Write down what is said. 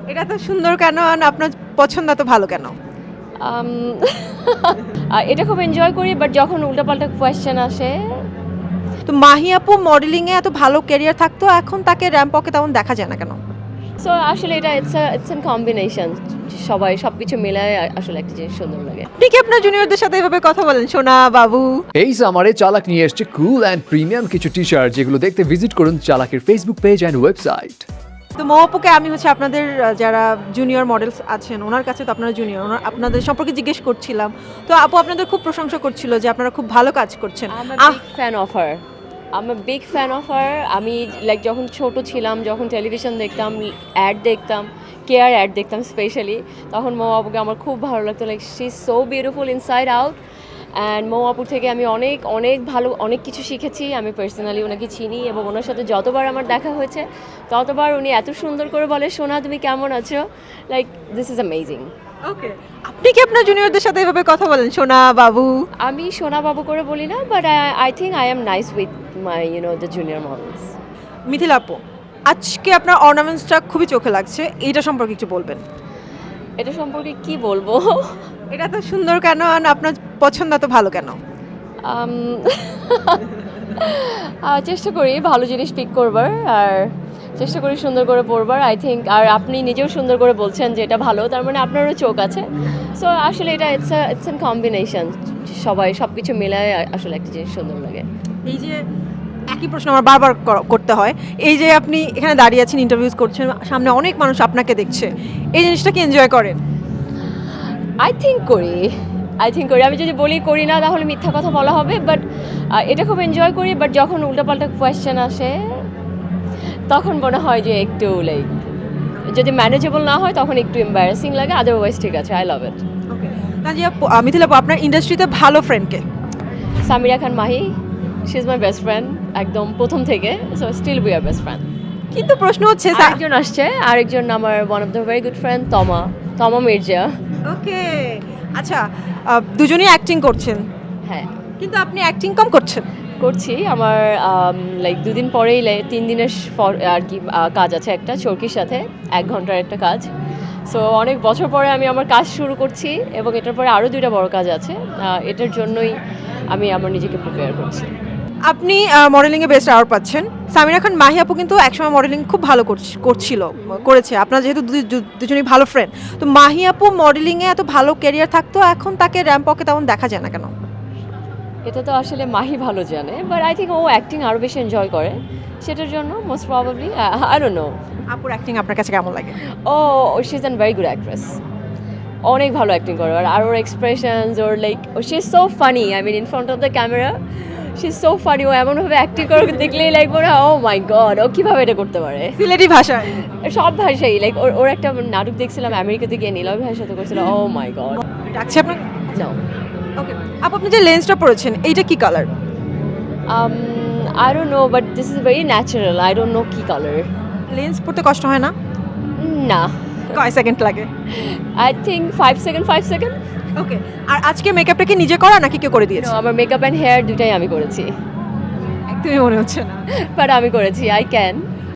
এটা তো সুন্দর কেন আর আপনার পছন্দ এত ভালো কেন? আম, এটা খুব এনজয় করি, বাট যখন উল্টাপাল্টা কোয়েশ্চেন আসে, তো মাহি আপু মডেলিংয়ে এত ভালো ক্যারিয়ার থাকতো, এখন তাকে র্যাম্পকে তেমন দেখা যায় না কেন? সো আসলে এটা ইটস এন কম্বিনেশন, সবাই সব কিছু মিলায় আসলে একটা জিনিস সুন্দর লাগে। আপনি কি আপনার জুনিয়রদের সাথে এভাবে কথা বলেন, সোনা বাবু? এই সামারে চালাক নিয়ে এসছে কুল অ্যান্ড প্রিমিয়াম কিছু টি শার্ট, যেগুলো দেখতে ভিজিট করুন চালাকের ফেসবুক পেজ অ্যান্ড ওয়েবসাইট। তো মৌ আপুকে আমি আপনাদের যারা জুনিয়র মডেলস আছেন ওনার কাছে, তো আপনারা জুনিয়র, আপনাদের সম্পর্কে জিজ্ঞেস করছিলাম। তো আপু আপনাদের খুব প্রশংসা করছিল যে আপনারা খুব ভালো কাজ করছেন। I'm a big fan of her. আমি লাইক যখন ছোট ছিলাম, যখন টেলিভিশন দেখতাম, অ্যাড দেখতাম, কেয়ার অ্যাড দেখতাম স্পেশালি, তখন মৌ আপুকে আমার খুব ভালো লাগতো। Like she is so beautiful inside out. And Mou আপুর থেকে আমি অনেক অনেক ভালো অনেক কিছু শিখেছি। আমি পার্সোনালি ওনাকে চিনি এবং ওনার সাথে যতবার আমার দেখা হয়েছে ততবার উনি এত সুন্দর করে বলে, সোনা তুমি কেমন আছো, like this is amazing. Okay, আপনি কি আপনার জুনিয়রদের সাথে এভাবে কথা বলেন, সোনা বাবু? আমি সোনা বাবু করে বলি না, but I think I am nice with my the junior models. Mithila আপু, আজকে আপনার অর্নামেন্টসটা খুবই চোখে লাগছে, এইটা সম্পর্কে কিছু বলবেন? এটা সম্পর্কে কি বলবো? এটা তো সুন্দর কেন আর আপনার পছন্দ এত ভালো কেন? আম, চেষ্টা করি ভালো জিনিস পিক করবার, আর চেষ্টা করি সুন্দর করে পড়বার। আই থিঙ্ক, আর আপনি নিজেও সুন্দর করে বলছেন যে এটা ভালো, তার মানে আপনারও চোখ আছে। সো আসলে এটা ইটস এন কম্বিনেশন, সবাই সব কিছু মিলায় আসলে একটা জিনিস সুন্দর লাগে। এই যে একই প্রশ্ন আমার বারবার করতে হয়, এই যে আপনি এখানে দাঁড়িয়ে আছেন, ইন্টারভিউজ করছেন, সামনে অনেক মানুষ আপনাকে দেখছে, এই জিনিসটা কি এনজয় করেন? আই থিঙ্ক করি। আমি যদি বলি করি না তাহলে মিথ্যা কথা বলা হবে, বাট এটা খুব এনজয় করি। বাট যখন উল্টাপাল্টা কোয়েশ্চেন আসে তখন মনে হয় যে একটু লাইক, যদি ম্যানেজেবল না হয় তখন একটু এম্বারাসিং লাগে, আদারওয়াইজ ঠিক আছে, I love it. Okay, Tajia Mithila আপু, আপনার ইন্ডাস্ট্রিতে ভালো ফ্রেন্ডকে? Samira Khan Mahi, she is my best friend একদম প্রথম থেকে, so still we are best friend. কিন্তু প্রশ্ন হচ্ছে আরেকজন আসছে, আরেকজন আমার one of the very good friend Toma Mirza. ওকে, আচ্ছা, দুজনেই অ্যাক্টিং করছেন, হ্যাঁ কিন্তু আপনি অ্যাক্টিং কম করছেন। করছি। আমার লাইক 2 দিন পরেই 3 দিনের আর কি কাজ আছে একটা চরকির সাথে, 1 ঘন্টার একটা কাজ। সো অনেক বছর পরে আমি আমার কাজ শুরু করছি, এবং এটার পরে আরও 2টা বড় কাজ আছে। এটার জন্যই আমি আমার নিজেকে প্রিপেয়ার করছি। আপনি মডেলিংয়ে বেস্ট আওয়ার পাচ্ছেন। সামিরা খান মাহি আপু কিন্তু একসময় মডেলিং খুব ভালো করেছে। আপনার যেহেতু দুজনেই ভালো ফ্রেন্ড, তো মাহি আপু মডেলিংয়ে এত ভালো ক্যারিয়ার থাকতো, এখন তাকে র্যাম্পকে তেমন দেখা যায় না কেন? এটা তো আসলে মাহি ভালো জানে, বাট আই থিঙ্ক ও অ্যাক্টিং আরও বেশি এনজয় করে, সেটার জন্য most probably. I don't know. আপুর অ্যাক্টিং আপনার কাছে কেমন লাগে? ও she is an very good actress, অনেক ভালো অ্যাক্টিং করে। আর ওর এক্সপ্রেশনস, ওর like she is so funny, I mean in front of the camera she is so funny. ও এমনভাবে অ্যাক্টিং করে দেখলেই লাইক মনে হয় ও মাই গড, ও কীভাবে এটা করতে পারে। সিলেটি ভাষায়? সব ভাষাই, লাইক ওর একটা নাটক দেখছিলাম আমেরিকাতে গিয়ে, নীলাভ ভাষার সাথে করছিল, ও মাই গড। ডাকছি আপনাকে। নো, ওকে আপু, আপনি যে লেন্সটা পরেছেন এইটা কি colour? I don't know, but this is very natural. I don't know কী কালার। লেন্স পরতে কষ্ট হয় না? না, কয় সেকেন্ড লাগে? I think 5 second. ওকে, আর আজকে মেকআপটা কি নিজে করা নাকি কেউ করে দিয়েছে? আমার মেকআপ অ্যান্ড হেয়ার দুটাই আমি করেছি, একদমই মনে হচ্ছে না। বাট আমি করেছি, আই ক্যান।